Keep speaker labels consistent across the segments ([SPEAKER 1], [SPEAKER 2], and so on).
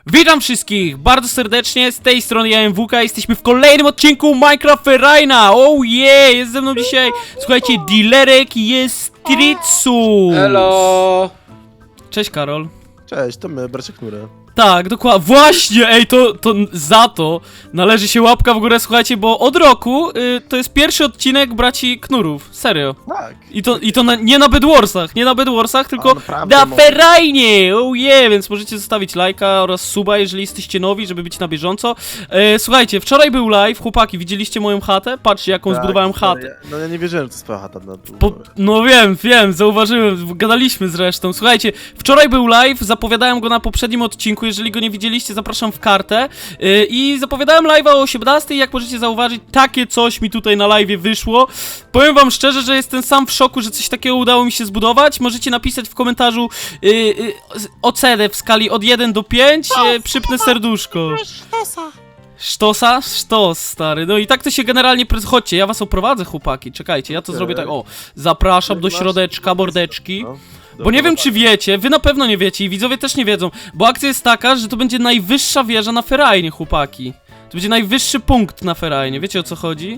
[SPEAKER 1] Witam wszystkich bardzo serdecznie, z tej strony ja MWK, jesteśmy w kolejnym odcinku Minecraft Ferraina. Oh yeah, jest ze mną dzisiaj, słuchajcie, Dilerek i jest Tritsu.
[SPEAKER 2] Hello!
[SPEAKER 1] Cześć Karol.
[SPEAKER 3] Cześć, to my, bracie Knury.
[SPEAKER 1] Tak, dokładnie, właśnie, ej, to za to należy się łapka w górę, słuchajcie, bo od roku to jest pierwszy odcinek braci Knurów, serio.
[SPEAKER 3] Tak.
[SPEAKER 1] I to nie na Bedwarsach, tylko
[SPEAKER 3] naprawdę,
[SPEAKER 1] na
[SPEAKER 3] no.
[SPEAKER 1] Ferrainie, oh yeah, więc możecie zostawić lajka oraz suba, jeżeli jesteście nowi, żeby być na bieżąco. Słuchajcie, wczoraj był live, chłopaki, widzieliście moją chatę? Patrzcie, jaką zbudowałem chatę.
[SPEAKER 3] No ja nie wierzyłem, że to jest twoja chata na dół.
[SPEAKER 1] No wiem, zauważyłem, gadaliśmy zresztą. Słuchajcie, wczoraj był live, zapowiadałem go na poprzednim odcinku, jeżeli go nie widzieliście, zapraszam w kartę. I zapowiadałem live'a o 18, jak możecie zauważyć, takie coś mi tutaj na live'ie wyszło. Powiem wam szczerze, że jestem sam w szoku, że coś takiego udało mi się zbudować. Możecie napisać w komentarzu ocenę w skali od 1 do 5, przypnę serduszko. Sztosa? Sztos, stary. No i tak to się generalnie... Chodźcie, ja was oprowadzę, chłopaki, czekajcie, ja to zrobię tak, o. Zapraszam do środeczka, mordeczki. Bo nie wiem, czy wiecie, wy na pewno nie wiecie i widzowie też nie wiedzą, bo akcja jest taka, że to będzie najwyższa wieża na Ferrainie, chłopaki. To będzie najwyższy punkt na Ferrainie, wiecie o co chodzi?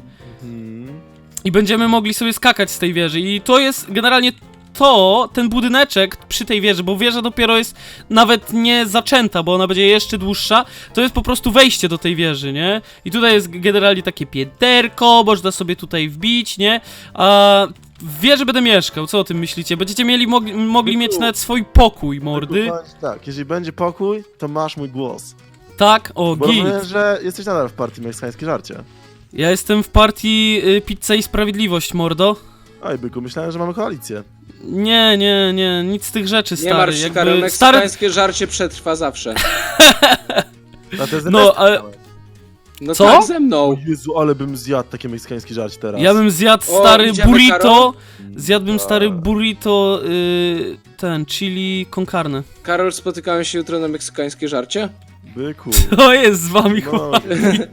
[SPEAKER 1] I będziemy mogli sobie skakać z tej wieży i to jest generalnie ten budyneczek przy tej wieży, bo wieża dopiero jest nawet nie zaczęta, bo ona będzie jeszcze dłuższa, to jest po prostu wejście do tej wieży, nie? I tutaj jest generalnie takie pięterko, można sobie tutaj wbić, nie? A w wieży będę mieszkał, co o tym myślicie? Będziecie mogli mieć nawet swój pokój, mordy.
[SPEAKER 3] Tak, jeżeli będzie pokój, to masz mój głos.
[SPEAKER 1] Tak, o,
[SPEAKER 3] Bo
[SPEAKER 1] git.
[SPEAKER 3] rozumiem, że jesteś nadal w partii Meksykańskie Żarcie.
[SPEAKER 1] Ja jestem w partii Pizza i Sprawiedliwość, mordo.
[SPEAKER 3] Oj, byku, myślałem, że mamy koalicję.
[SPEAKER 1] Nie, nic z tych rzeczy, stary.
[SPEAKER 2] Nie martw się, Karol, meksykańskie żarcie przetrwa zawsze.
[SPEAKER 3] A to jest
[SPEAKER 1] No, ale...
[SPEAKER 2] No
[SPEAKER 1] Co?
[SPEAKER 2] tak ze mną.
[SPEAKER 3] O Jezu, ale bym zjadł takie meksykańskie żarcie teraz.
[SPEAKER 1] Ja bym zjadł
[SPEAKER 2] O,
[SPEAKER 1] stary
[SPEAKER 2] idziemy,
[SPEAKER 1] burrito.
[SPEAKER 2] Karol?
[SPEAKER 1] Zjadłbym stary burrito, ten, chili con carne.
[SPEAKER 2] Karol, spotykamy się jutro na meksykańskie żarcie?
[SPEAKER 3] Byku.
[SPEAKER 1] To jest z wami,
[SPEAKER 3] No,
[SPEAKER 1] chłopaki.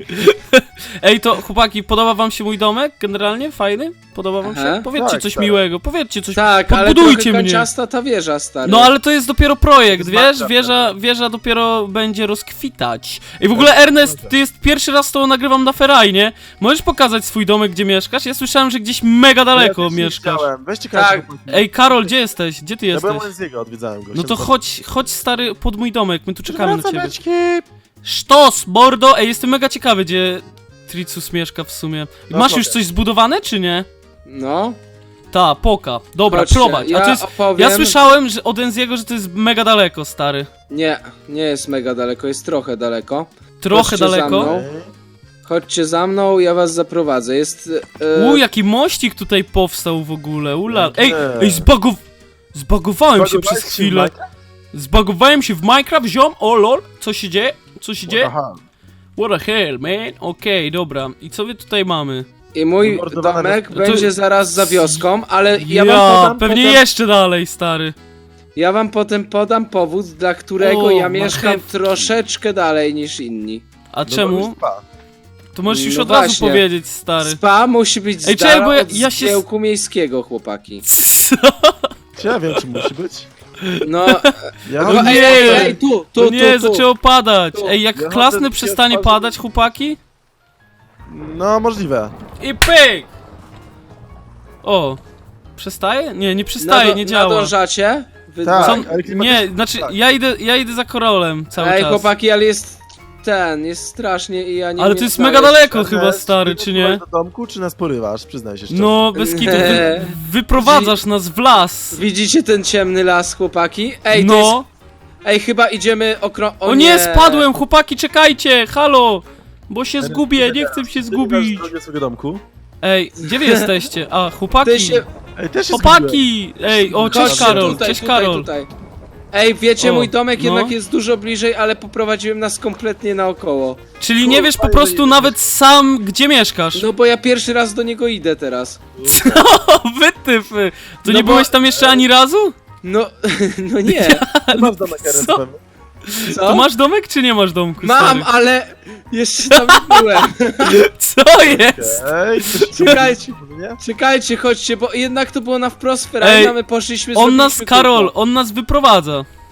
[SPEAKER 1] Ej, to chłopaki, podoba wam się mój domek? Generalnie? Fajny? Podoba wam się?
[SPEAKER 2] Aha.
[SPEAKER 1] Powiedzcie
[SPEAKER 3] Tak,
[SPEAKER 1] coś
[SPEAKER 3] tak.
[SPEAKER 1] miłego, powiedzcie coś.
[SPEAKER 2] Tak, ale
[SPEAKER 1] Podbudujcie
[SPEAKER 2] trochę
[SPEAKER 1] mnie.
[SPEAKER 2] kanciasta ta wieża, stary.
[SPEAKER 1] No ale to jest dopiero projekt,
[SPEAKER 3] To
[SPEAKER 1] wiesz?
[SPEAKER 3] jest
[SPEAKER 1] Wieża dopiero będzie rozkwitać. I w ogóle Ernest, ty jest pierwszy raz z tobą nagrywam na Ferrainie. Możesz pokazać swój domek, gdzie mieszkasz? Ja słyszałem, że gdzieś mega daleko
[SPEAKER 3] ja też nie
[SPEAKER 1] mieszkasz.
[SPEAKER 3] chciałem. Weźcie
[SPEAKER 2] Tak.
[SPEAKER 3] każdy.
[SPEAKER 1] Ej, Karol, gdzie jesteś? Gdzie ty
[SPEAKER 3] Ja
[SPEAKER 1] jesteś?
[SPEAKER 3] byłem z jego, odwiedzałem go.
[SPEAKER 1] No to chodź stary pod mój domek, my tu czekamy na ciebie.
[SPEAKER 3] Beczki.
[SPEAKER 1] Sztos, mordo! Ej, jestem mega ciekawy, gdzie Tricus mieszka w sumie.
[SPEAKER 3] No,
[SPEAKER 1] Masz już
[SPEAKER 3] mogę.
[SPEAKER 1] coś zbudowane, czy nie?
[SPEAKER 2] No.
[SPEAKER 1] Ta, poka. Dobra,
[SPEAKER 2] Chodźcie,
[SPEAKER 1] prowadź. A
[SPEAKER 2] ja
[SPEAKER 1] to jest...
[SPEAKER 2] opowiem...
[SPEAKER 1] Ja słyszałem że od Enziego, że to jest mega daleko, stary.
[SPEAKER 2] Nie jest mega daleko, jest trochę daleko.
[SPEAKER 1] Trochę
[SPEAKER 2] Chodźcie za
[SPEAKER 1] daleko.
[SPEAKER 2] mną. Chodźcie za mną, ja was zaprowadzę. Jest...
[SPEAKER 1] Jaki mościk tutaj powstał w ogóle, ula.
[SPEAKER 3] Nie.
[SPEAKER 1] Ej, zbagowałem się przez chwilę. Zbagowałem się w Minecraft, ziom, o lol. Co się dzieje? Co się dzieje?
[SPEAKER 3] Aha.
[SPEAKER 1] What the hell, man? Okej, dobra. I co my tutaj mamy?
[SPEAKER 2] I mój
[SPEAKER 3] Wymordowane
[SPEAKER 2] domek
[SPEAKER 1] to-
[SPEAKER 2] będzie zaraz za wioską, ale ja
[SPEAKER 1] Ja,
[SPEAKER 2] wam podam
[SPEAKER 1] pewnie
[SPEAKER 2] potem...
[SPEAKER 1] jeszcze dalej, stary.
[SPEAKER 2] Ja wam potem podam powód, dla którego
[SPEAKER 1] O,
[SPEAKER 2] ja mieszkam
[SPEAKER 1] marchewki.
[SPEAKER 2] troszeczkę dalej niż inni.
[SPEAKER 1] A czemu? To możesz już
[SPEAKER 2] No
[SPEAKER 1] od razu
[SPEAKER 2] właśnie.
[SPEAKER 1] powiedzieć, stary.
[SPEAKER 2] Spa musi być
[SPEAKER 1] Ej,
[SPEAKER 2] z
[SPEAKER 1] czekaj,
[SPEAKER 2] dala
[SPEAKER 1] bo ja-
[SPEAKER 2] od
[SPEAKER 1] ja się-
[SPEAKER 2] zgiełku miejskiego, chłopaki.
[SPEAKER 1] Co?
[SPEAKER 3] Czy ja wiem, czy musi być?
[SPEAKER 2] No,
[SPEAKER 3] Ja
[SPEAKER 1] O
[SPEAKER 2] no
[SPEAKER 1] nie!
[SPEAKER 2] ej, tu,
[SPEAKER 1] To nie,
[SPEAKER 2] tu.
[SPEAKER 1] zaczęło padać.
[SPEAKER 2] Tu.
[SPEAKER 1] Ej, jak
[SPEAKER 3] Ja
[SPEAKER 1] klasny
[SPEAKER 3] chodzę-
[SPEAKER 1] przestanie
[SPEAKER 3] ja chodzę-
[SPEAKER 1] padać, chłopaki?
[SPEAKER 3] No, możliwe.
[SPEAKER 1] I pyk! O, przestaje? Nie przestaje, nie działa.
[SPEAKER 2] Nadążacie? Wy
[SPEAKER 3] Tak.
[SPEAKER 2] dwa?
[SPEAKER 1] Co?
[SPEAKER 3] ale klimat
[SPEAKER 1] Nie,
[SPEAKER 3] jest-
[SPEAKER 1] znaczy
[SPEAKER 3] tak.
[SPEAKER 1] ja idę za Karolem cały
[SPEAKER 2] Ej,
[SPEAKER 1] czas.
[SPEAKER 2] chłopaki, ale jest strasznie i ja nie
[SPEAKER 1] Ale
[SPEAKER 2] wiem,
[SPEAKER 1] to jest
[SPEAKER 2] co
[SPEAKER 1] mega
[SPEAKER 2] jest.
[SPEAKER 1] daleko chyba, stary, czy nie?
[SPEAKER 3] do domku, czy nas porywasz? Przyznaj się szczerze.
[SPEAKER 1] No, bez kitu, wyprowadzasz nas w las.
[SPEAKER 2] Widzicie ten ciemny las, chłopaki? Ej, to
[SPEAKER 1] No.
[SPEAKER 2] jest... Ej, chyba idziemy
[SPEAKER 1] O nie, spadłem, chłopaki, czekajcie, halo! Bo się zgubię, nie chcę się zgubić.
[SPEAKER 3] Drogę swojego domku.
[SPEAKER 1] Ej, gdzie wy jesteście? A,
[SPEAKER 2] Ty
[SPEAKER 1] chłopaki!
[SPEAKER 2] się...
[SPEAKER 3] Ej, też się zgubiłem.
[SPEAKER 1] Chłopaki! Ej, o, cześć
[SPEAKER 2] Chodźcie
[SPEAKER 1] Karol,
[SPEAKER 2] tutaj,
[SPEAKER 1] cześć
[SPEAKER 2] tutaj,
[SPEAKER 1] Karol.
[SPEAKER 2] Tutaj. Ej, wiecie,
[SPEAKER 1] O,
[SPEAKER 2] mój domek
[SPEAKER 1] no.
[SPEAKER 2] jednak jest dużo bliżej, ale poprowadziłem nas kompletnie naokoło.
[SPEAKER 1] Czyli nie wiesz po
[SPEAKER 3] Fajnie
[SPEAKER 1] prostu
[SPEAKER 3] jest.
[SPEAKER 1] nawet sam, gdzie mieszkasz.
[SPEAKER 2] No bo ja pierwszy raz do niego idę teraz.
[SPEAKER 1] O, wytyfy! To
[SPEAKER 2] No
[SPEAKER 1] nie
[SPEAKER 2] bo-
[SPEAKER 1] byłeś tam jeszcze ani razu?
[SPEAKER 2] No, no nie.
[SPEAKER 3] Masz domek, Eren,
[SPEAKER 1] Co?
[SPEAKER 3] pewnie.
[SPEAKER 2] Co?
[SPEAKER 1] To masz domek, czy nie masz domku?
[SPEAKER 2] Mam,
[SPEAKER 1] stary?
[SPEAKER 2] ale jeszcze tam nie byłem.
[SPEAKER 1] Co jest?
[SPEAKER 3] Ej,
[SPEAKER 2] Czekajcie.
[SPEAKER 3] nie?
[SPEAKER 2] Czekajcie, chodźcie, bo jednak to było na wprost Ferrari,
[SPEAKER 1] Ej,
[SPEAKER 2] a my poszliśmy
[SPEAKER 1] On nas,
[SPEAKER 2] zrobiliśmy
[SPEAKER 1] Karol,
[SPEAKER 2] kółko.
[SPEAKER 1] on nas wyprowadza.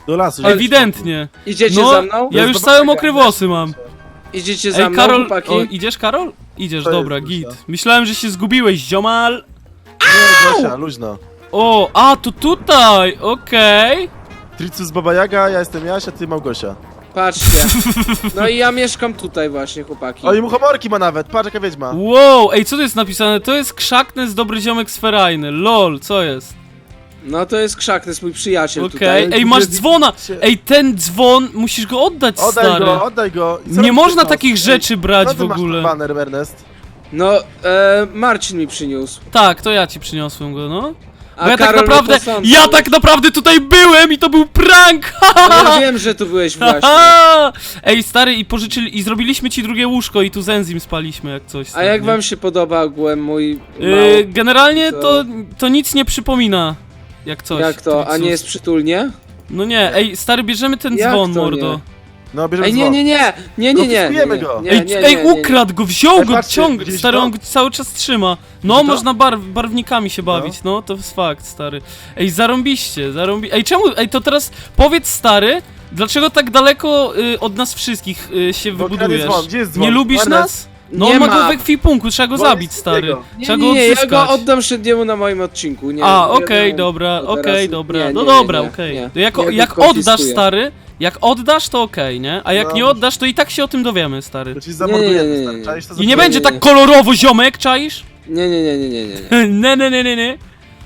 [SPEAKER 3] Do lasu.
[SPEAKER 1] Ewidentnie.
[SPEAKER 2] Idziecie
[SPEAKER 1] No,
[SPEAKER 2] za mną?
[SPEAKER 1] ja już
[SPEAKER 3] zobaczę,
[SPEAKER 1] całe mokre włosy mam.
[SPEAKER 2] Idziecie za
[SPEAKER 1] Ej,
[SPEAKER 2] mną,
[SPEAKER 1] Karol,
[SPEAKER 2] chłopaki?
[SPEAKER 1] o, idziesz, Karol? Idziesz,
[SPEAKER 3] To jest
[SPEAKER 1] dobra,
[SPEAKER 3] Gosia.
[SPEAKER 1] git. Myślałem, że się zgubiłeś, ziomal.
[SPEAKER 3] Nie, Gosia, luźno.
[SPEAKER 1] O, a, to tutaj, okej.
[SPEAKER 3] Tricus Baba Jaga, ja jestem Jasia, ty Małgosia.
[SPEAKER 2] Patrzcie. No i ja mieszkam tutaj właśnie, chłopaki.
[SPEAKER 3] O, i muchomorki ma nawet, patrz jaka wiedźma.
[SPEAKER 1] Wow, ej, co tu jest napisane? To jest Krzaknes, dobry ziomek sferajny. Lol, co jest?
[SPEAKER 2] No to jest Krzak, to jest mój przyjaciel
[SPEAKER 1] Okej,
[SPEAKER 2] tutaj.
[SPEAKER 1] ej, masz dzwona! Ej, ten dzwon, musisz go oddać, stary.
[SPEAKER 3] Oddaj go. I co
[SPEAKER 1] Nie
[SPEAKER 3] robisz
[SPEAKER 1] można
[SPEAKER 3] ten
[SPEAKER 1] takich
[SPEAKER 3] nos?
[SPEAKER 1] rzeczy
[SPEAKER 3] Ej,
[SPEAKER 1] brać
[SPEAKER 3] co
[SPEAKER 1] w
[SPEAKER 3] ty masz
[SPEAKER 1] ogóle.
[SPEAKER 3] ten baner, Ernest?
[SPEAKER 2] No, Marcin mi przyniósł.
[SPEAKER 1] Tak, to ja ci przyniosłem go, no.
[SPEAKER 2] A
[SPEAKER 1] Bo ja tak
[SPEAKER 2] Karol
[SPEAKER 1] naprawdę,
[SPEAKER 2] mnie posądzał.
[SPEAKER 1] ja tak naprawdę tutaj byłem i to był prank!
[SPEAKER 2] No ja wiem, że tu byłeś właśnie.
[SPEAKER 1] Haha! Ej, stary, i pożyczyli, i zrobiliśmy ci drugie łóżko i tu z enzym spaliśmy jak coś.
[SPEAKER 2] A
[SPEAKER 1] stary,
[SPEAKER 2] jak
[SPEAKER 1] nie?
[SPEAKER 2] wam się podoba ogółem mój mały...
[SPEAKER 1] Generalnie
[SPEAKER 2] Co?
[SPEAKER 1] to nic nie przypomina. Jak coś.
[SPEAKER 2] Jak to? A
[SPEAKER 1] Tricus.
[SPEAKER 2] nie jest przytulnie?
[SPEAKER 1] No nie, ej, stary, bierzemy ten
[SPEAKER 2] Jak
[SPEAKER 1] dzwon,
[SPEAKER 2] to
[SPEAKER 1] mordo.
[SPEAKER 2] nie?
[SPEAKER 3] No, bierzemy
[SPEAKER 2] Ej, nie,
[SPEAKER 3] dzwon.
[SPEAKER 2] nie, nie! Nie, nie, nie!
[SPEAKER 3] Konfiskujemy go.
[SPEAKER 1] Ej, ukradł go, wziął
[SPEAKER 3] Ej,
[SPEAKER 1] go,
[SPEAKER 3] patrzcie,
[SPEAKER 1] ciąg,
[SPEAKER 3] widzieliście
[SPEAKER 1] stary,
[SPEAKER 3] to?
[SPEAKER 1] on go cały czas trzyma. No,
[SPEAKER 3] Widzicie to?
[SPEAKER 1] można barwnikami się bawić, no, to jest fakt, stary. Ej, zarąbiście. Ej, czemu, ej, to teraz powiedz, stary, dlaczego tak daleko od nas wszystkich się
[SPEAKER 3] Bo
[SPEAKER 1] wybudujesz?
[SPEAKER 3] kradnie dzwon. Gdzie jest dzwon?
[SPEAKER 1] Nie lubisz
[SPEAKER 3] Ernest?
[SPEAKER 1] nas? No,
[SPEAKER 2] Nie
[SPEAKER 1] on ma
[SPEAKER 2] ma.
[SPEAKER 1] go we ekwipunku, trzeba go
[SPEAKER 3] Dzwon
[SPEAKER 1] zabić,
[SPEAKER 3] jest
[SPEAKER 1] stary.
[SPEAKER 3] jego.
[SPEAKER 2] Nie,
[SPEAKER 1] Trzeba
[SPEAKER 2] nie,
[SPEAKER 1] go
[SPEAKER 2] nie, ja
[SPEAKER 1] odzyskać.
[SPEAKER 2] go oddam Szedniemu na moim odcinku, nie.
[SPEAKER 1] A,
[SPEAKER 2] nie,
[SPEAKER 1] okej,
[SPEAKER 2] nie,
[SPEAKER 1] dobra,
[SPEAKER 2] to teraz-
[SPEAKER 1] okej, dobra.
[SPEAKER 2] nie,
[SPEAKER 1] No
[SPEAKER 2] nie,
[SPEAKER 1] dobra,
[SPEAKER 2] nie,
[SPEAKER 1] okej.
[SPEAKER 2] nie.
[SPEAKER 1] To jak
[SPEAKER 2] Ja
[SPEAKER 1] jak
[SPEAKER 2] go
[SPEAKER 1] oddasz,
[SPEAKER 2] konfiskuję.
[SPEAKER 1] stary, jak oddasz, to okej, nie? A jak
[SPEAKER 3] No.
[SPEAKER 1] nie oddasz, to i tak się o tym dowiemy, stary.
[SPEAKER 3] To ci zamordujemy,
[SPEAKER 2] nie, nie,
[SPEAKER 3] stary.
[SPEAKER 2] nie.
[SPEAKER 3] Czaisz to
[SPEAKER 1] I nie
[SPEAKER 3] za-
[SPEAKER 1] będzie
[SPEAKER 2] nie,
[SPEAKER 1] tak
[SPEAKER 2] nie.
[SPEAKER 1] kolorowo, ziomek, czaisz?
[SPEAKER 2] Nie, nie, nie, nie, nie, nie.
[SPEAKER 1] Nie.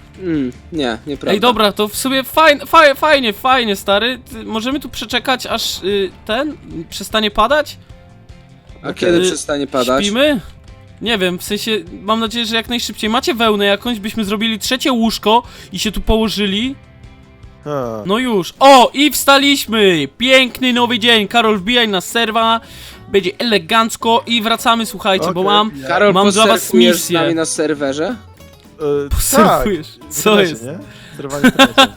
[SPEAKER 2] Nie, nieprawda.
[SPEAKER 1] Ej, dobra, to w sumie fajnie, stary. Możemy tu przeczekać, aż przestanie padać?
[SPEAKER 2] A kiedy
[SPEAKER 1] Y,
[SPEAKER 2] przestanie padać?
[SPEAKER 1] Śpimy? Nie wiem, w sensie, mam nadzieję, że jak najszybciej. Macie wełnę jakąś, byśmy zrobili trzecie łóżko i się tu położyli.
[SPEAKER 3] A.
[SPEAKER 1] No już. O, i wstaliśmy! Piękny nowy dzień. Karol, wbijaj na serwa. Będzie elegancko i wracamy, słuchajcie, bo
[SPEAKER 3] Okej.
[SPEAKER 1] mam...
[SPEAKER 2] Karol,
[SPEAKER 1] Mam dla was
[SPEAKER 2] posurfujesz z
[SPEAKER 1] misję.
[SPEAKER 2] nami na serwerze?
[SPEAKER 1] Posurfujesz.
[SPEAKER 3] Tak.
[SPEAKER 1] Co jest?
[SPEAKER 3] Nie? Sterowanie internecie.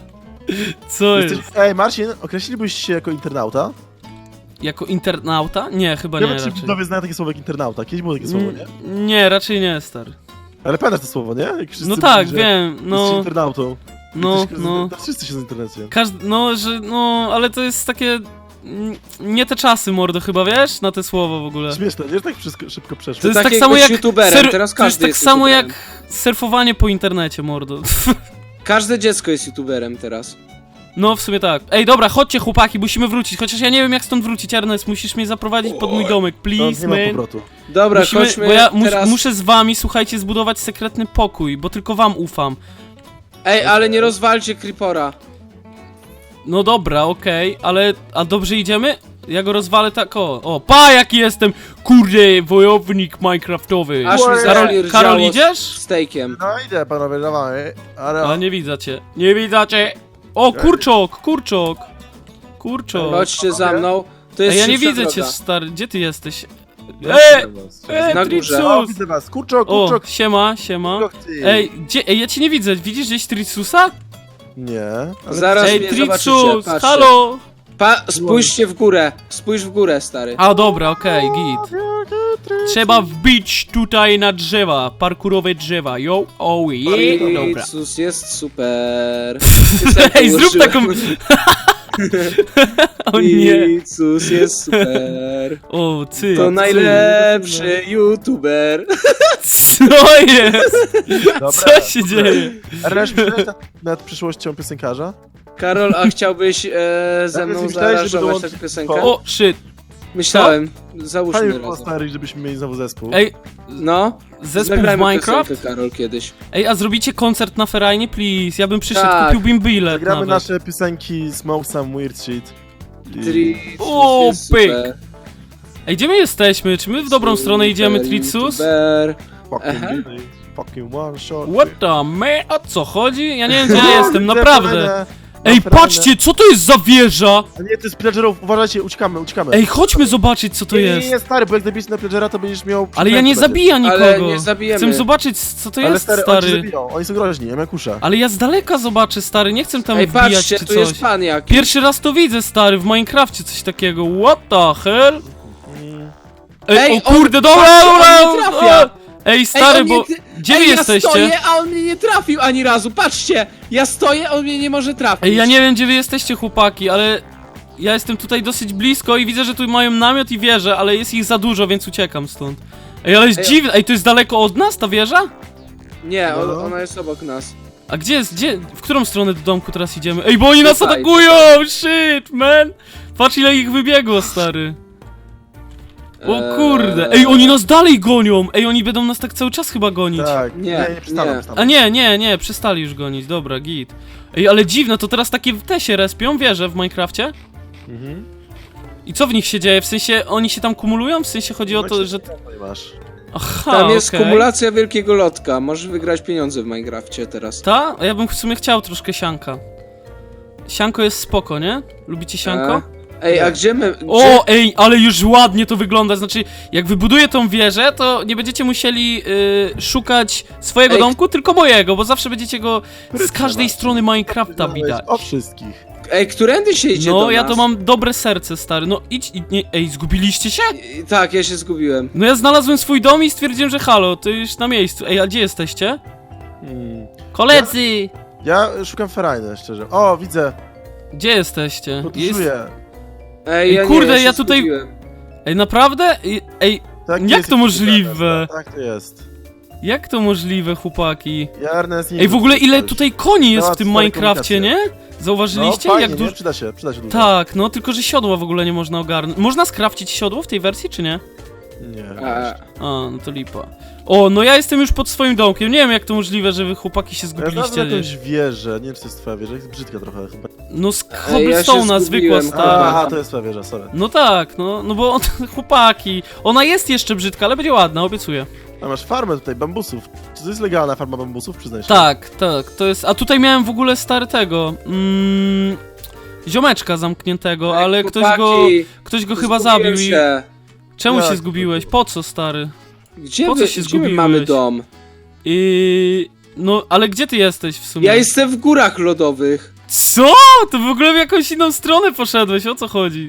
[SPEAKER 1] Co jest?
[SPEAKER 3] Ej, Marcin, określilibyś się jako internauta?
[SPEAKER 1] Jako internauta? Nie, chyba nie
[SPEAKER 3] Chyba ci
[SPEAKER 1] raczej.
[SPEAKER 3] widzowie znają takie słowo jak internauta. Kiedyś było takie słowo, nie?
[SPEAKER 1] Nie, raczej nie, stary.
[SPEAKER 3] Ale pamiętasz to słowo, nie? Jak wszyscy
[SPEAKER 1] No tak,
[SPEAKER 3] mówili, że
[SPEAKER 1] wiem,
[SPEAKER 3] jesteś
[SPEAKER 1] no,
[SPEAKER 3] internautą.
[SPEAKER 1] no,
[SPEAKER 3] To wszyscy się z internecie.
[SPEAKER 1] no, ale to jest takie... Nie te czasy, mordo, chyba, wiesz? Na te słowo w ogóle.
[SPEAKER 3] Śmieszne, nie? Tak wszystko szybko przeszło.
[SPEAKER 1] To jest tak
[SPEAKER 2] jak
[SPEAKER 1] samo
[SPEAKER 2] być
[SPEAKER 1] jak...
[SPEAKER 2] youtuberem, teraz
[SPEAKER 1] to jest
[SPEAKER 2] każdy
[SPEAKER 1] tak samo
[SPEAKER 2] youtuberem.
[SPEAKER 1] jak surfowanie po internecie, mordo.
[SPEAKER 2] Każde dziecko jest youtuberem teraz.
[SPEAKER 1] No, w sumie tak. Ej, dobra, chodźcie, chłopaki, musimy wrócić. Chociaż ja nie wiem, jak stąd wrócić, Ernest. Musisz mnie zaprowadzić pod mój domek,
[SPEAKER 3] No,
[SPEAKER 1] please,
[SPEAKER 3] nie ma
[SPEAKER 1] man.
[SPEAKER 3] powrotu.
[SPEAKER 2] Dobra,
[SPEAKER 1] Musimy,
[SPEAKER 2] chodźmy
[SPEAKER 1] bo ja
[SPEAKER 2] teraz...
[SPEAKER 1] muszę z wami, słuchajcie, zbudować sekretny pokój, bo tylko wam ufam.
[SPEAKER 2] Ej, ale nie rozwalcie Creepora.
[SPEAKER 1] No dobra, okej, ale... A dobrze idziemy? Ja go rozwalę tak, o, pa, jaki jestem, kurde, wojownik minecraftowy.
[SPEAKER 2] Aż mi
[SPEAKER 3] Karol-
[SPEAKER 2] zacznie
[SPEAKER 1] Karol,
[SPEAKER 2] rżało
[SPEAKER 1] idziesz?
[SPEAKER 2] z stejkiem.
[SPEAKER 3] No idę, panowie, dawaj. Ale...
[SPEAKER 1] A nie widzę cię, nie widzę cię. O, kurczok.
[SPEAKER 2] Chodźcie za mną. To
[SPEAKER 1] Ej,
[SPEAKER 2] jest
[SPEAKER 1] ja nie
[SPEAKER 2] szybsza
[SPEAKER 1] widzę cię,
[SPEAKER 2] droga.
[SPEAKER 1] stary, gdzie ty jesteś?
[SPEAKER 2] Na górze.
[SPEAKER 3] O,
[SPEAKER 1] Tricus!
[SPEAKER 3] widzę was. Kurczok.
[SPEAKER 1] O, siema. Ej, ej, ja cię nie widzę, widzisz gdzieś Tricusa?
[SPEAKER 3] Nie. Ale...
[SPEAKER 2] Zaraz
[SPEAKER 1] Ej,
[SPEAKER 2] mnie
[SPEAKER 1] Tricus,
[SPEAKER 2] zobaczycie, patrzcie.
[SPEAKER 1] halo!
[SPEAKER 2] Spójrzcie w górę. Spójrz w górę, stary.
[SPEAKER 1] A dobra, okej, git. Trzeba wbić tutaj na drzewa, parkurowe drzewa, yo, oh yeah, dobra.
[SPEAKER 2] Tricus jest super.
[SPEAKER 1] Ej, zrób taką... O nie.
[SPEAKER 2] Tricus jest super.
[SPEAKER 1] O, ty.
[SPEAKER 2] To najlepszy youtuber.
[SPEAKER 1] Co jest?
[SPEAKER 3] Dobra,
[SPEAKER 1] Co się dzieje?
[SPEAKER 3] Ernest, myślałeś nad przyszłością piosenkarza?
[SPEAKER 2] Karol, a chciałbyś ze mną
[SPEAKER 3] myślałeś, żeby
[SPEAKER 2] zaaranżować
[SPEAKER 3] dołączyć
[SPEAKER 2] tę piosenkę?
[SPEAKER 1] O, shit.
[SPEAKER 2] Myślałem.
[SPEAKER 3] Fajnie
[SPEAKER 2] Załóżmy
[SPEAKER 3] by było,
[SPEAKER 2] razem.
[SPEAKER 3] stary, żebyśmy mieli znowu zespół.
[SPEAKER 1] Ej,
[SPEAKER 2] No,
[SPEAKER 1] zespół w
[SPEAKER 2] zagrajmy
[SPEAKER 1] Minecraft?
[SPEAKER 2] piosenkę, Karol, kiedyś.
[SPEAKER 1] Ej, a zrobicie koncert na ferajnie, please? Ja bym przyszedł,
[SPEAKER 2] Tak.
[SPEAKER 1] kupiłbym bilet
[SPEAKER 3] Zagramy
[SPEAKER 1] nawet.
[SPEAKER 3] nasze piosenki Smoke Some Weird Shit. I...
[SPEAKER 2] Tricus
[SPEAKER 1] O,
[SPEAKER 2] jest
[SPEAKER 1] pyk.
[SPEAKER 2] super.
[SPEAKER 1] Ej, gdzie my jesteśmy? Czy my w dobrą stronę idziemy, Tricus?
[SPEAKER 2] YouTuber.
[SPEAKER 3] Fucking
[SPEAKER 2] Aha.
[SPEAKER 3] really, fucking one shot.
[SPEAKER 1] What the man? O co chodzi? Ja nie wiem, gdzie
[SPEAKER 3] No,
[SPEAKER 1] ja jestem,
[SPEAKER 3] widzę
[SPEAKER 1] naprawdę.
[SPEAKER 3] fajne,
[SPEAKER 1] Ej,
[SPEAKER 3] fajne.
[SPEAKER 1] patrzcie, co to jest za wieża?
[SPEAKER 3] A nie, to jest pillagerów, uważajcie, uciekamy.
[SPEAKER 1] Ej, chodźmy zobaczyć, co to
[SPEAKER 3] nie,
[SPEAKER 1] jest.
[SPEAKER 3] nie, stary, bo jak zabijesz na pillagera, to będziesz miał...
[SPEAKER 1] Ale ja nie
[SPEAKER 3] przynętę
[SPEAKER 1] zabiję
[SPEAKER 2] Ale
[SPEAKER 1] nikogo.
[SPEAKER 2] nie zabijemy.
[SPEAKER 1] Chcę zobaczyć, co to
[SPEAKER 3] będzie. Ale
[SPEAKER 1] jest,
[SPEAKER 3] stary, oni cię
[SPEAKER 1] stary.
[SPEAKER 3] zabiją, oni są groźni, ja miałem kusza.
[SPEAKER 1] Ale ja z daleka zobaczę, stary, nie chcę tam
[SPEAKER 2] Ej,
[SPEAKER 1] wbijać
[SPEAKER 2] patrzcie,
[SPEAKER 1] czy
[SPEAKER 2] tu
[SPEAKER 1] coś.
[SPEAKER 2] jest pan jakiś.
[SPEAKER 1] Pierwszy raz to widzę, stary, w Minecrafcie coś takiego. What the hell?
[SPEAKER 3] Mm.
[SPEAKER 1] Ej,
[SPEAKER 2] Ej,
[SPEAKER 1] o kurde,
[SPEAKER 2] on-
[SPEAKER 1] dobra,
[SPEAKER 2] patrzcie,
[SPEAKER 1] dobra,
[SPEAKER 2] on nie trafia.
[SPEAKER 1] Ej, stary,
[SPEAKER 2] on
[SPEAKER 1] bo...
[SPEAKER 2] nie-
[SPEAKER 1] Gdzie wy
[SPEAKER 2] Ej, ja
[SPEAKER 1] jesteście?
[SPEAKER 2] stoję, a on mnie nie trafił ani razu, patrzcie! Ja stoję, on mnie nie może trafić.
[SPEAKER 1] Ej, ja nie wiem, gdzie wy jesteście, chłopaki, ale... Ja jestem tutaj dosyć blisko i widzę, że tu mają namiot i wieżę, ale jest ich za dużo, więc uciekam stąd. Ej, ale jest
[SPEAKER 2] Ej,
[SPEAKER 1] dziwne. Ej, to jest daleko od nas, ta wieża?
[SPEAKER 2] Nie,
[SPEAKER 3] No.
[SPEAKER 2] ona jest obok nas.
[SPEAKER 1] A gdzie jest, w którą stronę do domku teraz idziemy? Ej, bo oni nas
[SPEAKER 2] Tutaj,
[SPEAKER 1] atakują! Shit, man! Patrz, ile ich wybiegło, stary. O kurde. Ej, oni nas dalej gonią! Ej, oni będą nas tak cały czas chyba gonić.
[SPEAKER 3] Tak,
[SPEAKER 2] Nie,
[SPEAKER 3] nie przestaną,
[SPEAKER 2] nie.
[SPEAKER 3] przestaną.
[SPEAKER 1] A nie, przestali już gonić, dobra, git. Ej, ale dziwne, to teraz takie te się respią, wieże w Minecrafcie?
[SPEAKER 3] Mhm.
[SPEAKER 1] I co w nich się dzieje? W sensie, oni się tam kumulują? W sensie chodzi o
[SPEAKER 3] No
[SPEAKER 1] to,
[SPEAKER 3] i
[SPEAKER 1] że...
[SPEAKER 3] nie masz.
[SPEAKER 1] Aha,
[SPEAKER 2] Tam jest
[SPEAKER 1] okej.
[SPEAKER 2] kumulacja wielkiego lotka, możesz wygrać pieniądze w Minecrafcie teraz.
[SPEAKER 1] Ta? A ja bym w sumie chciał troszkę sianka. Sianko jest spoko, nie? Lubicie sianko?
[SPEAKER 2] Ej, a gdzie my... Gdzie...
[SPEAKER 1] O, ej, ale już ładnie to wygląda, znaczy, jak wybuduję tą wieżę, to nie będziecie musieli szukać swojego
[SPEAKER 2] Ej,
[SPEAKER 1] domku, tylko mojego, bo zawsze będziecie go z
[SPEAKER 3] Sprytnie
[SPEAKER 1] każdej
[SPEAKER 3] masz.
[SPEAKER 1] strony Minecrafta widać.
[SPEAKER 3] O wszystkich.
[SPEAKER 2] Ej, którędy się idzie do
[SPEAKER 1] No, ja
[SPEAKER 2] nas?
[SPEAKER 1] to mam dobre serce, stary, no idź, nie, ej, zgubiliście się?
[SPEAKER 2] Tak, ja się zgubiłem.
[SPEAKER 1] No ja znalazłem swój dom i stwierdziłem, że halo, to już na miejscu. Ej, a gdzie jesteście? Koledzy!
[SPEAKER 3] Ja szukam ferajny, szczerze. O, widzę,
[SPEAKER 1] Gdzie jesteście?
[SPEAKER 3] podróżuję.
[SPEAKER 2] Ej,
[SPEAKER 1] Ej,
[SPEAKER 2] ja
[SPEAKER 1] kurde,
[SPEAKER 2] nie,
[SPEAKER 1] ja
[SPEAKER 2] się
[SPEAKER 1] tutaj-
[SPEAKER 2] zgubiłem.
[SPEAKER 1] Ej, naprawdę? Ej,
[SPEAKER 3] Tak,
[SPEAKER 1] Jak
[SPEAKER 3] jest
[SPEAKER 1] to
[SPEAKER 3] ich
[SPEAKER 1] możliwe?
[SPEAKER 3] Tak to jest.
[SPEAKER 1] jak to możliwe, chłopaki?
[SPEAKER 3] Ja Ernest nie
[SPEAKER 1] Ej, w ogóle ile tutaj koni jest w
[SPEAKER 3] Temat
[SPEAKER 1] tym
[SPEAKER 3] stare
[SPEAKER 1] Minecrafcie, nie?
[SPEAKER 3] No,
[SPEAKER 1] Zauważyliście?
[SPEAKER 3] fajnie,
[SPEAKER 1] Jak
[SPEAKER 3] nie?
[SPEAKER 1] dużo...
[SPEAKER 3] Przyda się dużo.
[SPEAKER 1] Tak, no tylko, że siodła w ogóle nie można ogarnąć. Można skrafcić siodło w tej wersji, czy nie?
[SPEAKER 3] Nie.
[SPEAKER 2] A,
[SPEAKER 1] No to lipa. O, no ja jestem już pod swoim domkiem. Nie wiem, jak to możliwe, że wy chłopaki się
[SPEAKER 3] Ja znalazłem
[SPEAKER 1] zgubiliście.
[SPEAKER 3] jakąś wieżę, nie wiem czy to jest twoja wieża, jest brzydka trochę chyba.
[SPEAKER 1] No z
[SPEAKER 2] ja się
[SPEAKER 1] cobblestone'a zwykła
[SPEAKER 2] zgubiłem.
[SPEAKER 1] stara.
[SPEAKER 3] Aha, to jest twoja wieża, sorry.
[SPEAKER 1] No tak, no bo chłopaki. Ona jest jeszcze brzydka, ale będzie ładna, obiecuję.
[SPEAKER 3] A masz farmę tutaj, bambusów. Czy to jest legalna farma bambusów, przyznaj się?
[SPEAKER 1] Tak, to jest... A tutaj miałem w ogóle stary tego... ziomeczka zamkniętego, ale
[SPEAKER 2] chłopaki,
[SPEAKER 1] ktoś go chyba
[SPEAKER 2] zgubiłem
[SPEAKER 1] zabił i...
[SPEAKER 2] się.
[SPEAKER 1] Czemu
[SPEAKER 3] Jak
[SPEAKER 1] się
[SPEAKER 3] to
[SPEAKER 1] zgubiłeś? Po co, stary?
[SPEAKER 2] Gdzie,
[SPEAKER 1] Po co
[SPEAKER 2] wy,
[SPEAKER 1] się
[SPEAKER 2] gdzie my
[SPEAKER 1] zgubiłeś?
[SPEAKER 2] mamy dom?
[SPEAKER 1] No, ale gdzie ty jesteś w sumie?
[SPEAKER 2] Ja jestem w górach lodowych.
[SPEAKER 1] Co? To w ogóle w jakąś inną stronę poszedłeś, o co chodzi?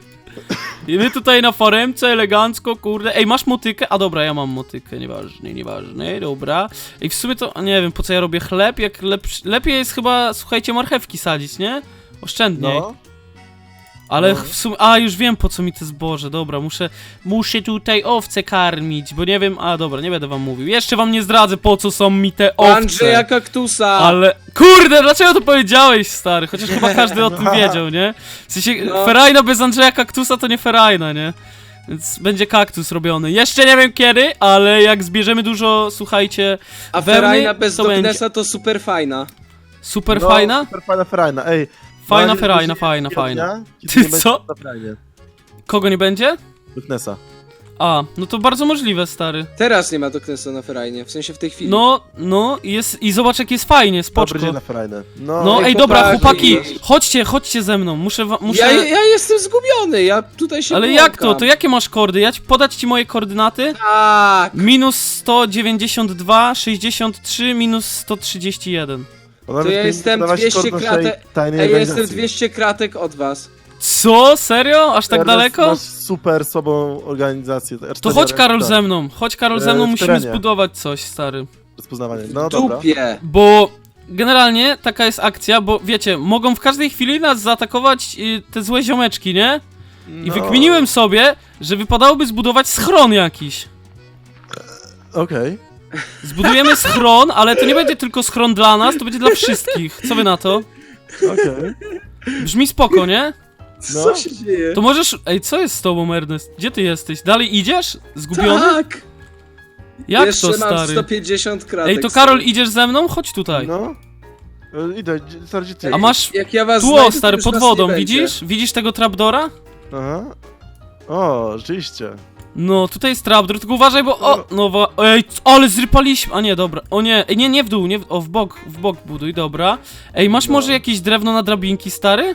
[SPEAKER 1] I my tutaj na faremce, elegancko, kurde. Ej, masz motykę? A dobra, ja mam motykę, nieważne, dobra. Ej, w sumie to, nie wiem, po co ja robię chleb, jak lepiej jest chyba, słuchajcie, marchewki sadzić, nie? Oszczędniej.
[SPEAKER 3] No.
[SPEAKER 1] Ale
[SPEAKER 3] No.
[SPEAKER 1] w sumie, już wiem po co mi te zboże, dobra, muszę tutaj owce karmić, bo nie wiem, dobra, nie będę wam mówił. Jeszcze wam nie zdradzę po co są mi te owce.
[SPEAKER 2] Andrzeja Kaktusa!
[SPEAKER 1] Ale, kurde, dlaczego to powiedziałeś, stary? Chociaż chyba każdy o tym wiedział, nie? W sensie,
[SPEAKER 2] No.
[SPEAKER 1] ferajna bez Andrzeja Kaktusa to nie ferajna, nie? Więc będzie kaktus robiony. Jeszcze nie wiem kiedy, ale jak zbierzemy dużo, słuchajcie,
[SPEAKER 2] A
[SPEAKER 1] wełny,
[SPEAKER 2] ferajna bez
[SPEAKER 1] to
[SPEAKER 2] Doknesa to super fajna.
[SPEAKER 1] super
[SPEAKER 3] No,
[SPEAKER 1] fajna?
[SPEAKER 3] Super fajna ferajna, ej.
[SPEAKER 1] Fajna
[SPEAKER 3] na razie
[SPEAKER 1] ferajna,
[SPEAKER 3] będzie
[SPEAKER 1] fajna,
[SPEAKER 3] takiego
[SPEAKER 1] fajna.
[SPEAKER 3] dnia, kiedy
[SPEAKER 1] Ty
[SPEAKER 3] nie będzie
[SPEAKER 1] co?
[SPEAKER 3] na ferajnie.
[SPEAKER 1] Kogo nie będzie?
[SPEAKER 3] Doknesa.
[SPEAKER 1] No to bardzo możliwe, stary.
[SPEAKER 2] Teraz nie ma Doknesa na ferajnie, w sensie w tej chwili.
[SPEAKER 1] No, i zobacz jak jest fajnie,
[SPEAKER 3] Dobry
[SPEAKER 1] spoczko.
[SPEAKER 3] dzień na ferajnę.
[SPEAKER 1] No,
[SPEAKER 2] Ej,
[SPEAKER 1] ej, dobra,
[SPEAKER 2] chłopaki.
[SPEAKER 1] chłopaki, chodźcie ze mną, muszę...
[SPEAKER 2] Ja jestem zgubiony, ja tutaj się
[SPEAKER 1] Ale
[SPEAKER 2] błąkam.
[SPEAKER 1] jak to? To jakie masz kordy? Podać ci moje koordynaty?
[SPEAKER 2] Tak!
[SPEAKER 1] Minus 192, 63, minus 131.
[SPEAKER 2] To ja jestem 200 kratek.
[SPEAKER 3] Tajnej
[SPEAKER 2] Ej, ja
[SPEAKER 3] organizacji.
[SPEAKER 2] jestem 200 kratek od was.
[SPEAKER 1] Co? Serio? Aż tak
[SPEAKER 3] Ernest,
[SPEAKER 1] daleko?
[SPEAKER 3] Masz super słabą organizację.
[SPEAKER 1] To chodź Karol ze mną,
[SPEAKER 3] w
[SPEAKER 1] musimy
[SPEAKER 3] terenie.
[SPEAKER 1] zbudować coś, stary.
[SPEAKER 3] Rozpoznawanie. No dobra.
[SPEAKER 2] Dupie.
[SPEAKER 1] Bo generalnie taka jest akcja, bo wiecie, mogą w każdej chwili nas zaatakować te złe ziomeczki, nie? I
[SPEAKER 3] No.
[SPEAKER 1] wykminiłem sobie, że wypadałoby zbudować schron jakiś.
[SPEAKER 3] Okej.
[SPEAKER 1] Zbudujemy schron, ale to nie będzie tylko schron dla nas, to będzie dla wszystkich. Co wy na to?
[SPEAKER 3] Okej.
[SPEAKER 1] Brzmi spoko, nie?
[SPEAKER 3] No.
[SPEAKER 2] Co się dzieje?
[SPEAKER 1] To możesz... Ej, co jest z tobą, Ernest? Gdzie ty jesteś? Dalej idziesz? Zgubiony?
[SPEAKER 2] Tak!
[SPEAKER 1] Jak
[SPEAKER 2] Jeszcze
[SPEAKER 1] to,
[SPEAKER 2] mam
[SPEAKER 1] stary?
[SPEAKER 2] 150 kratek.
[SPEAKER 1] Ej, to Karol, idziesz ze mną? Chodź tutaj.
[SPEAKER 3] No. Idę, stary, gdzie ty?
[SPEAKER 1] A masz...
[SPEAKER 2] Jak ja was
[SPEAKER 1] Tu,
[SPEAKER 2] znajdę,
[SPEAKER 1] o,
[SPEAKER 2] to
[SPEAKER 1] stary,
[SPEAKER 2] już
[SPEAKER 1] pod
[SPEAKER 2] was
[SPEAKER 1] wodą,
[SPEAKER 2] nie będzie.
[SPEAKER 1] widzisz? Widzisz tego trapdora?
[SPEAKER 3] Aha. O, rzeczywiście.
[SPEAKER 1] No, tutaj jest trapdoor, tylko uważaj, bo... Ej, ale zrypaliśmy... A nie, dobra. O nie, ej, nie w dół, nie w bok buduj, dobra. Ej, masz
[SPEAKER 3] No.
[SPEAKER 1] może jakieś drewno na drabinki, stary?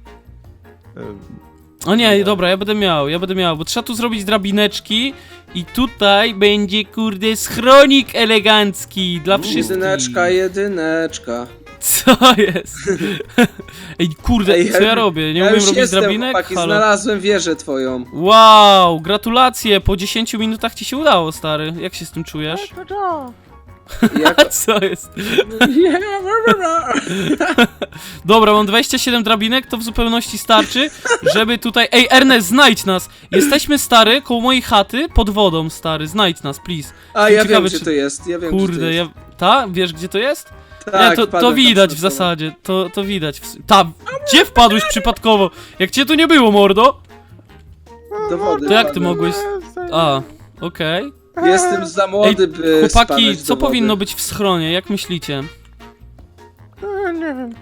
[SPEAKER 1] O nie,
[SPEAKER 3] Nie.
[SPEAKER 1] dobra, ja będę miał, bo trzeba tu zrobić drabineczki i tutaj będzie, kurde, schronik elegancki dla wszystkich.
[SPEAKER 2] Jedyneczka.
[SPEAKER 1] Co jest? Ej, kurde,
[SPEAKER 4] Ej,
[SPEAKER 1] co ja robię? Nie
[SPEAKER 4] Ja
[SPEAKER 1] umiem
[SPEAKER 4] już
[SPEAKER 1] robić
[SPEAKER 4] jestem,
[SPEAKER 1] drabinek?
[SPEAKER 4] chłopaki,
[SPEAKER 1] Halo.
[SPEAKER 4] znalazłem wieżę twoją.
[SPEAKER 1] Wow, gratulacje, po 10 minutach ci się udało, stary. Jak się z tym czujesz?
[SPEAKER 4] Jak...
[SPEAKER 1] Co jest? Dobra, mam 27 drabinek, to w zupełności starczy, żeby tutaj... Ej, Ernest, znajdź nas! Jesteśmy, stary, koło mojej chaty, pod wodą, stary, znajdź nas, please.
[SPEAKER 4] A ja
[SPEAKER 1] Ciekawe,
[SPEAKER 4] wiem, gdzie
[SPEAKER 1] czy-
[SPEAKER 4] to jest, ja wiem, gdzie to
[SPEAKER 1] Kurde,
[SPEAKER 4] jest.
[SPEAKER 1] Ta? Wiesz, gdzie to jest?
[SPEAKER 4] Tak,
[SPEAKER 1] Nie, to
[SPEAKER 4] wpadłem tam
[SPEAKER 1] widać w
[SPEAKER 4] przypadkowo.
[SPEAKER 1] zasadzie, to widać. Gdzie wpadłeś przypadkowo? Jak cię tu nie było, mordo?
[SPEAKER 4] Do wody
[SPEAKER 1] To jak ty
[SPEAKER 4] wpadłem.
[SPEAKER 1] mogłeś... A, okej.
[SPEAKER 4] Jestem za młody, by
[SPEAKER 1] Chłopaki,
[SPEAKER 4] spadać
[SPEAKER 1] co
[SPEAKER 4] do wody.
[SPEAKER 1] powinno być w schronie, jak myślicie?
[SPEAKER 3] Nie wiem.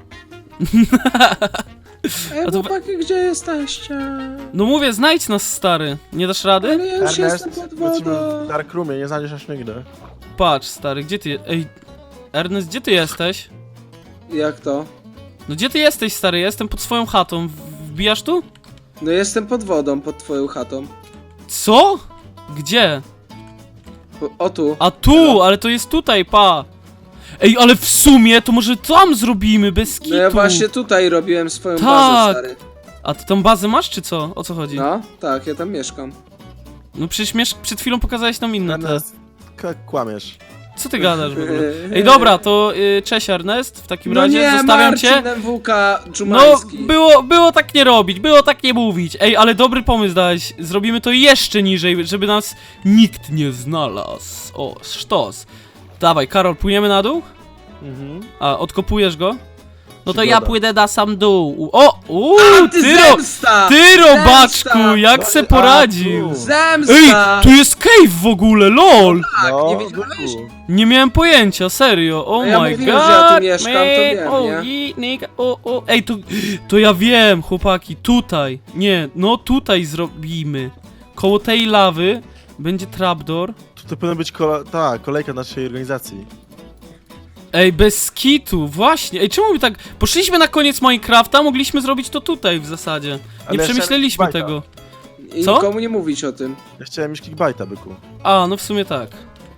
[SPEAKER 4] Ej,
[SPEAKER 1] A to-
[SPEAKER 4] chłopaki, gdzie jesteście?
[SPEAKER 1] No mówię, znajdź nas, stary. Nie dasz rady?
[SPEAKER 4] Ale ja już jestem
[SPEAKER 3] Ernest,
[SPEAKER 4] pod
[SPEAKER 3] lecimy
[SPEAKER 4] wodą.
[SPEAKER 3] w Dark Roomie, nie znajdziesz aż nigdy.
[SPEAKER 1] Patrz, stary, gdzie ty... Ej, Ernest, gdzie ty jesteś?
[SPEAKER 4] Jak to?
[SPEAKER 1] No gdzie ty jesteś, stary? Ja jestem pod swoją chatą. Wbijasz tu?
[SPEAKER 4] No jestem pod wodą, pod twoją chatą.
[SPEAKER 1] Co? Gdzie?
[SPEAKER 4] O tu.
[SPEAKER 1] A tu, ale to jest tutaj, pa. Ej, ale w sumie to może tam zrobimy, bez kitu.
[SPEAKER 4] No ja właśnie tutaj robiłem swoją
[SPEAKER 1] Tak.
[SPEAKER 4] bazę, stary.
[SPEAKER 1] A ty tą bazę masz, czy co? O co chodzi?
[SPEAKER 4] No, tak, ja tam mieszkam.
[SPEAKER 1] No przecież przed chwilą pokazałeś nam inne te.
[SPEAKER 3] Ernest, kłamiesz.
[SPEAKER 1] Co ty gadasz w ogóle? Ej, dobra, to cześć Ernest, w takim razie
[SPEAKER 4] nie,
[SPEAKER 1] zostawiam
[SPEAKER 4] Marcin
[SPEAKER 1] cię.
[SPEAKER 4] MWK
[SPEAKER 1] No,
[SPEAKER 4] Dżumański.
[SPEAKER 1] było tak nie robić, było tak nie mówić. Ej, ale dobry pomysł dałeś. Zrobimy to jeszcze niżej, żeby nas nikt nie znalazł. O, sztos. Dawaj, Karol, płyniemy na dół?
[SPEAKER 3] Mhm.
[SPEAKER 1] A, odkopujesz go? No to ja
[SPEAKER 3] Przygoda.
[SPEAKER 1] pójdę na sam dół. O,
[SPEAKER 4] Antyszemsta!
[SPEAKER 1] ty robaczku,
[SPEAKER 4] Zemsta!
[SPEAKER 1] jak se poradził?
[SPEAKER 4] Zemsta!
[SPEAKER 1] Ej, tu jest cave w ogóle, lol!
[SPEAKER 4] Tak,
[SPEAKER 3] No,
[SPEAKER 4] nie wiedziałeś?
[SPEAKER 3] byku.
[SPEAKER 1] Nie miałem pojęcia, serio, oh
[SPEAKER 4] Ja
[SPEAKER 1] my
[SPEAKER 4] mówiłem,
[SPEAKER 1] god,
[SPEAKER 4] że ja tu mieszkam, to wiem,
[SPEAKER 1] man,
[SPEAKER 4] nie?
[SPEAKER 1] nigga, ej, to ja wiem, chłopaki, tutaj, nie, no tutaj zrobimy, koło tej lawy będzie trapdoor,
[SPEAKER 3] Tutaj powinna być kolejka naszej organizacji.
[SPEAKER 1] ej, bez kitu, właśnie, ej, czemu my tak, poszliśmy na koniec Minecrafta, mogliśmy zrobić to tutaj w zasadzie, nie
[SPEAKER 3] Ale ja
[SPEAKER 1] przemyśleliśmy
[SPEAKER 3] chciałem
[SPEAKER 1] tego,
[SPEAKER 4] I
[SPEAKER 1] Co?
[SPEAKER 4] nikomu nie mówić o tym.
[SPEAKER 3] Ja chciałem mieć clickbaita, byku.
[SPEAKER 1] a, no w sumie tak.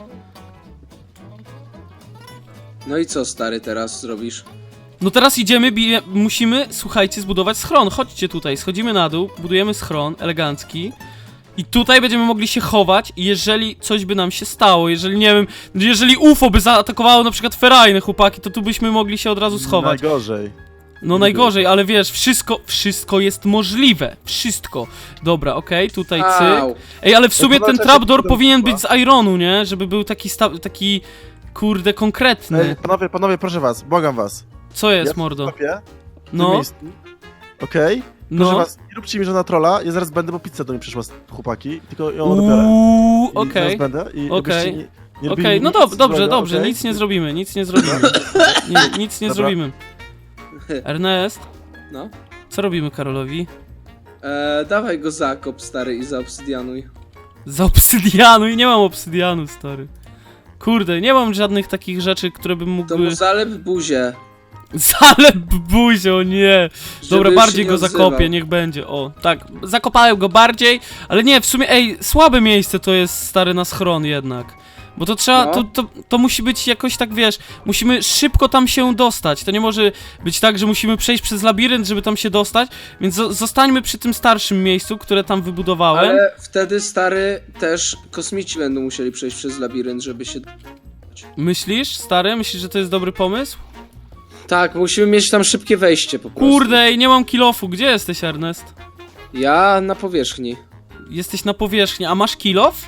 [SPEAKER 4] No i co, stary, teraz zrobisz?
[SPEAKER 1] No teraz idziemy, musimy, słuchajcie, zbudować schron. Chodźcie tutaj, schodzimy na dół, budujemy schron elegancki. I tutaj będziemy mogli się chować, i jeżeli coś by nam się stało, jeżeli, nie wiem, jeżeli UFO by zaatakowało na przykład ferajne chłopaki, to tu byśmy mogli się od razu schować.
[SPEAKER 3] Najgorzej.
[SPEAKER 1] No najgorzej, ale wiesz, wszystko jest możliwe. Wszystko. Dobra, okej, tutaj cyk.
[SPEAKER 4] Au.
[SPEAKER 1] Ej, ale w sumie
[SPEAKER 3] to
[SPEAKER 1] ten
[SPEAKER 3] znaczy,
[SPEAKER 1] trapdoor
[SPEAKER 3] że-
[SPEAKER 1] powinien być z ironu, nie? Żeby był taki, kurde, konkretny.
[SPEAKER 3] Ej, panowie, proszę was, błagam was.
[SPEAKER 1] Co jest,
[SPEAKER 3] Ja
[SPEAKER 1] mordo?
[SPEAKER 3] Kopię w tym
[SPEAKER 1] No,
[SPEAKER 3] miejscu. Okej? Proszę
[SPEAKER 1] no.
[SPEAKER 3] was, nie róbcie mi żadna trolla, ja zaraz będę, bo pizza do mnie przyszła, chłopaki, tylko ją dobiorę. I
[SPEAKER 1] Okej.
[SPEAKER 3] zaraz będę i
[SPEAKER 1] Okej.
[SPEAKER 3] żebyście nie robili
[SPEAKER 1] Okej, no
[SPEAKER 3] nic
[SPEAKER 1] dobrze,
[SPEAKER 3] złego,
[SPEAKER 1] dobrze,
[SPEAKER 3] okej?
[SPEAKER 1] nic nie zrobimy, nic nie
[SPEAKER 3] Dobra.
[SPEAKER 1] zrobimy. Ernest,
[SPEAKER 4] No.
[SPEAKER 1] co robimy Karolowi?
[SPEAKER 4] Dawaj go zakop, stary, i zaobsydianuj.
[SPEAKER 1] Za obsydianu i nie mam obsydianu, stary. Kurde, nie mam żadnych takich rzeczy, które bym mógł...
[SPEAKER 4] To mu zalep buzię.
[SPEAKER 1] Zalep buzio, nie!
[SPEAKER 4] żeby
[SPEAKER 1] Dobra,
[SPEAKER 4] już
[SPEAKER 1] bardziej
[SPEAKER 4] się nie
[SPEAKER 1] go zakopię,
[SPEAKER 4] odzywał.
[SPEAKER 1] niech będzie, o. Tak, zakopałem go bardziej, ale nie, w sumie, ej, słabe miejsce to jest, stary, na schron jednak. Bo to trzeba,
[SPEAKER 4] No.
[SPEAKER 1] to musi być jakoś tak, wiesz, musimy szybko tam się dostać. To nie może być tak, że musimy przejść przez labirynt, żeby tam się dostać, więc zostańmy przy tym starszym miejscu, które tam wybudowałem.
[SPEAKER 4] Ale wtedy, stary, też kosmici będą musieli przejść przez labirynt, żeby się...
[SPEAKER 1] Myślisz, stary? Myślisz, że to jest dobry pomysł?
[SPEAKER 4] Tak, musimy mieć tam szybkie wejście po prostu.
[SPEAKER 1] Kurde, ej, nie mam kilofu. Gdzie jesteś, Ernest?
[SPEAKER 4] Ja na powierzchni.
[SPEAKER 1] Jesteś na powierzchni, a masz kilof?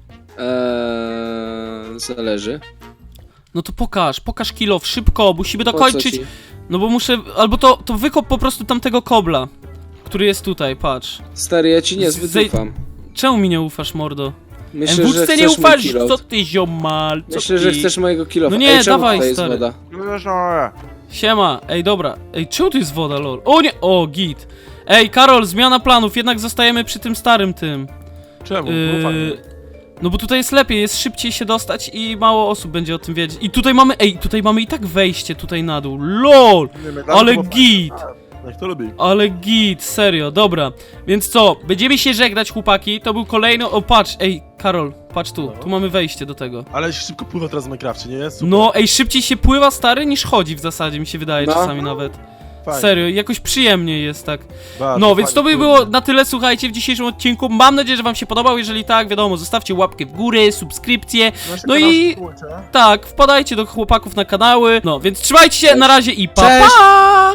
[SPEAKER 4] Zależy.
[SPEAKER 1] No to pokaż kilof, szybko, musimy
[SPEAKER 4] Po co
[SPEAKER 1] dokończyć.
[SPEAKER 4] ci?
[SPEAKER 1] No bo muszę, albo to wykop po prostu tamtego kobla, który jest tutaj, patrz.
[SPEAKER 4] Stary, ja ci niezbyt
[SPEAKER 1] Zej-
[SPEAKER 4] ufam.
[SPEAKER 1] Czemu mi nie ufasz, mordo?
[SPEAKER 4] Myślę, że
[SPEAKER 1] MWC
[SPEAKER 4] chcesz
[SPEAKER 1] nie
[SPEAKER 4] mój
[SPEAKER 1] ufasz,
[SPEAKER 4] kilof.
[SPEAKER 1] co ty ziomal, co
[SPEAKER 4] Myślę,
[SPEAKER 1] ty?
[SPEAKER 4] że chcesz mojego kilofa.
[SPEAKER 1] No nie,
[SPEAKER 4] Ej, czemu
[SPEAKER 1] dawaj,
[SPEAKER 4] tutaj jest
[SPEAKER 1] stary.
[SPEAKER 4] woda?
[SPEAKER 1] Siema, ej dobra, ej czemu tu jest woda, lol? O nie, o git. Ej Karol, zmiana planów, jednak zostajemy przy tym starym tym.
[SPEAKER 3] Czemu?
[SPEAKER 1] No bo tutaj jest lepiej, jest szybciej się dostać i mało osób będzie o tym wiedzieć. I tutaj mamy, ej, tutaj mamy i tak wejście tutaj na dół, lol, ale git.
[SPEAKER 3] Jak to lubi.
[SPEAKER 1] Ale git, serio, dobra. Więc co, będziemy się żegnać, chłopaki. To był kolejny... O, patrz, ej, Karol, patrz tu. Tu mamy wejście do tego.
[SPEAKER 3] Ale się szybko pływa teraz w Minecrafcie, nie jest? Super.
[SPEAKER 1] No, ej, szybciej się pływa, stary, niż chodzi w zasadzie, mi się wydaje
[SPEAKER 4] No.
[SPEAKER 1] czasami nawet.
[SPEAKER 3] Fajnie.
[SPEAKER 1] Serio, jakoś przyjemniej jest tak.
[SPEAKER 3] Bardzo
[SPEAKER 1] No, więc to
[SPEAKER 3] fajnie,
[SPEAKER 1] by
[SPEAKER 3] kurde.
[SPEAKER 1] było na tyle, słuchajcie, w dzisiejszym odcinku. Mam nadzieję, że wam się podobał. Jeżeli tak, wiadomo, zostawcie łapkę w górę, subskrypcję. No i tak, wpadajcie do chłopaków na kanały. No, więc trzymajcie się, na razie i pa,
[SPEAKER 2] Cześć.
[SPEAKER 1] pa!